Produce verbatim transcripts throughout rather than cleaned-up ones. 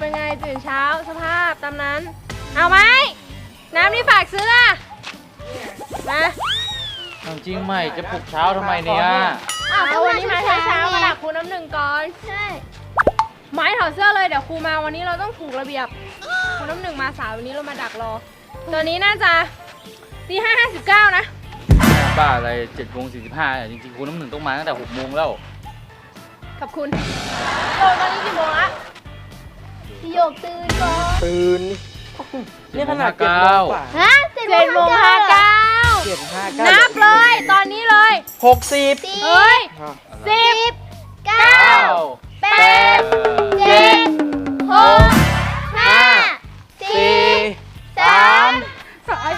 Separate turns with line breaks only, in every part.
เป็นไงตื่นเช้าสภาพตามนั้นเอาไหมน้ำนี่ฝากซื้ออะมา
จริงไหมจะปลุกเช้าทำไมเนี่ย
อ้าวก็วันนี้มาเช้าเช้ามาดักครูน้ำหนึ่งก่อนใช่ไม้ถอดเสื้อเลยเดี๋ยวครูมาวันนี้เราต้องถูกระเบียบครูน้ำหนึ่งมาสายวันนี้เรามาดักรอตอนนี้น่าจะตีห้าห้าสิบเก้านะ
บ้าอะไรเจ็ดโมงสี่สิบห้าจริงๆครูน้ำหนึ่งต้องมาตั้งแต่หกโมงแล้ว
ขอบคุณโยตอนนี้กี่โมงละพี่โยกตื่นก่อน
ตื่นนี่ขนาดเจ็ดโมงกว่า
ฮะเจ็ดโมงห้าเก้า
เจ็ดห้าเก้า
นับเลยตอนนี้เลย
หกสิบ
เฮ้ยสิบเก้าแปดเจ็ดหกห้าสี่สามสาย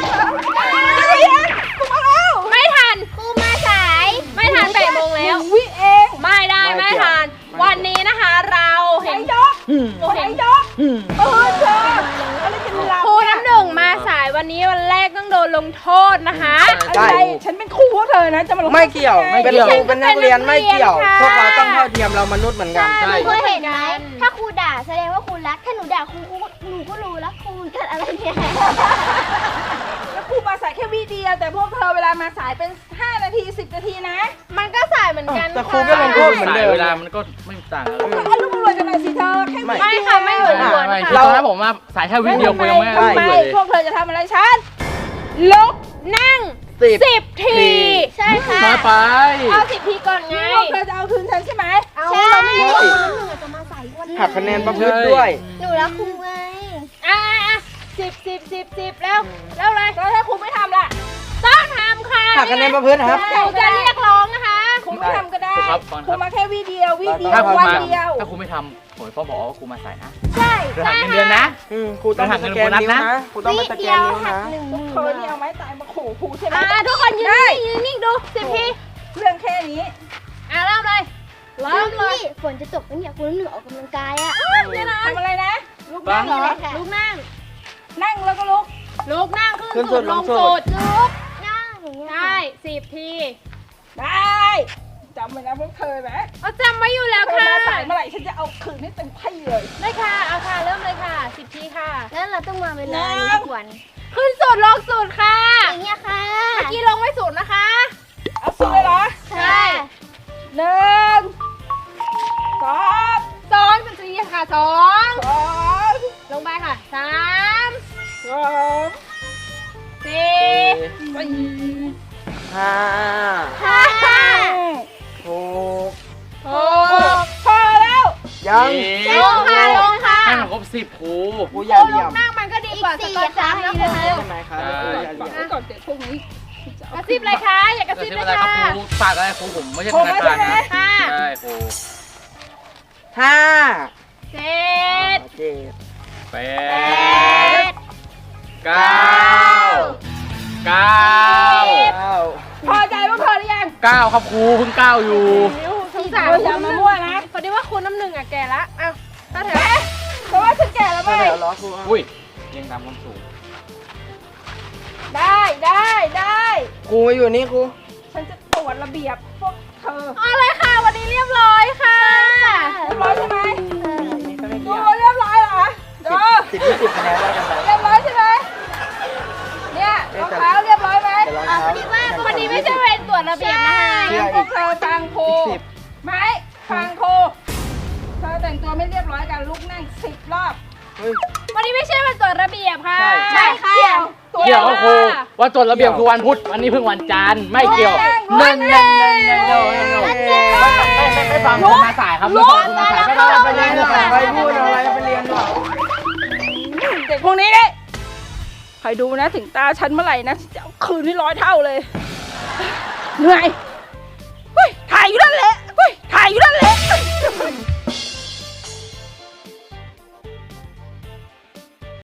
ไม่ทันครูมาสายไม่ทันแปดโมงแล้ววิเองไม่ได้ไม่ทันวันนี้นะคะเราเห็นเห็นเออเธอครูน้ำหนึ่งมาสายวันนี้วันแรกต้องโดนลงโทษนะคะ
อะไร
ฉันเป็นครูพวกเธอนะจะมาลง
ไม่เกี่ยวเป็นครูเป็นนักเรียนไม่เกี่ยวพวกเราต้องเท่าเทียมเรามนุษย์เหมือนกัน
ใช่เคยเห็นไหมถ้าครูด่าแสดงว่าครูรักถ้าหนูด่าครูหนูก็รู้แล้วครูเกิดอะไรเนี่ย
แล้วครูมาสายแค่วิเดียวแต่พวกเธอเวลามาสายเป็นห้านาทีสิบนาทีนะ
มันก็สายเหมือนกัน
แต่ครูก็ลงโทษเหมือนเดิม
เวลามันก็ไม่ต่างกัน
อารมณ์รวยกันหน่อยสิเธอแค่
ไม่ค่ะไม่เหมือนกัน
เราถ้าผมมาสายแค่วิดีโอกูยังไม่ได้
เลยพวกเธอจะทำอะไรฉัน
ลุกนั่งสิบที
ใช่ค่ะ
มาไป
เอาสิบทีก่อนไง
พวกเธอจะเอาคืนฉันใช่ไหม
เอาเราไม่รู้ว่าหนูจะมาใส่วัน
หักคะแนนประพฤติด้วย
หนูรักครูไง
อ่ะสิบสิบสิบสิบแล้วแล้วเลย
แล้วถ้าครูไม่ทำล่ะ
ต้องทำค่ะ
หักคะแนนประพฤติครับ
ครูจะเรียกร้องนะคะ
ครูไม่ทำก็ได้ครูมาแค่วิดีโอวิดีโอวันเดียว
ถ้าครูไม่ทำผมก็บอกว่าครูมาสายนะ
ใช่
หักเงินเดือนนะ
ครูต้องสแกนนิ้วนะครูต้องมาสแกนนิ้วนะ
เธอนี่เอาไม้ตายมาขู่ครูใช่ไหม
ทุกคนยืนยืนนิ่งดูสิบที
เรื่องแค่นี้
อ่ะเริ่มเลยเริ่มเลย
ฝนจะตกแล้วเนี่ยครูน้ำหนึ่งออกกำลังกายอ่ะ
ทำอะไรนะลุกนั่งเหรอ
ลุกนั่ง
นั่งแล้วก็ลุก
ลุกนั่งขึ้นสุดลงสุด
ลุกนั่ง
ได้สิบที
ได้จำไว้นะพวกเธอนะ
เอาจำไว้อยู่แล้วค่ะ
มาสายเมื่อไหร่ฉันจะเอาคืนให้เต็มที่เลย
ได้ค่ะเอาค่ะเริ่มเลยค่ะสิบทีค่ะ
แล้วเราต้องมาเวลาทุกวัน
ขึ้นสุดลงสุดค่ะ
อย่างเงี้ยค่ะ
เมื่อกี้ลงไม่สุดนะคะ
เอาสุดเลยเหรอ
ใช่
หนึ่งสอง
สองสิบทีค่ะสอง
สอง
ลงไปค่ะสาม
สอง
สี่
ห้า
ห้า
หก
หกพอแล้ว
ยัง
ลงค่ะลงค่ะ
ให้มันครบสิบครู
ครูอย่าเหลี่ยม
นั่งมันก็ดีกว่าสกอตจัมป์นะครู
ใช่ไหมครับ
ก่อนเดี๋ยวพวกนี้
กระซิบเลยค่ะอย่ากระซิบเลยค่ะ
ครูฝากอะไรครูผมไม่ใช่ธนาคารนะใช่ครู
ห้า
เจ็ด
แปดเก้าเก้า
พอใจว่าพอหรือยัง
เก้าครับครูเพิ่งเก้าอยู่
สงสาร
อย่ามามั่วนะ
พอดีว่าคุณน้ำหนึ่งอ่ะแก่ละอ้าวถ้าแถว
เพราะว่าฉันแก่แล้วไหม
อุ้ยยังตามความสูง
ได้ได้ได้
ครูมาอยู่นี่ครู
ฉันจะตรวจระเบียบพวกเธอ
เอาเลยค่ะวันนี้เรียบร้อยค่ะ
เรียบร้อยใช่ไหมดูเรียบร้อยเหรอดู
สิบยี่สิบคะแนนได้กันไป
เรียบร้อยใช่ไหมเนี่ยรองเท้าเรียบร้อยไหม
พอดีว่าวันนี้ไม่ใช่เวรตรวจระเบียบนะคะ
พวกเธอฟังครูไหมฟังครูเธอแต่งตัวไม่เรียบร้อยกันลุกนั่งสิบรอบ
วันนี้ไม่ใช่วันตรวจระเบียบค่ะ
ใช่ค่ะ
เกี่ยวกับครูวันตรวจระเบียบคือวันพุธวันนี้เพิ่งวันจันทร์ไม่เกี่ยวเน่นเน่นเน่นเน่นเน่นไม่ไม่ไม่ฟังคุณมาสายครับไม่ฟังคุณมาสายไม่ต้องไปเรียน
ไปพูดอะไรไปเรียนหรอ
เด็กพวกนี้เนี่ยใครดูนะถึงตาฉันเมื่อไหร่นะจะเอาคืนให้ร้อยเท่าเลยเหนื่อยเฮ้ยถ่ายอยู่นั่นแหละเฮ้ยถ่ายอยู่นั่นแหละ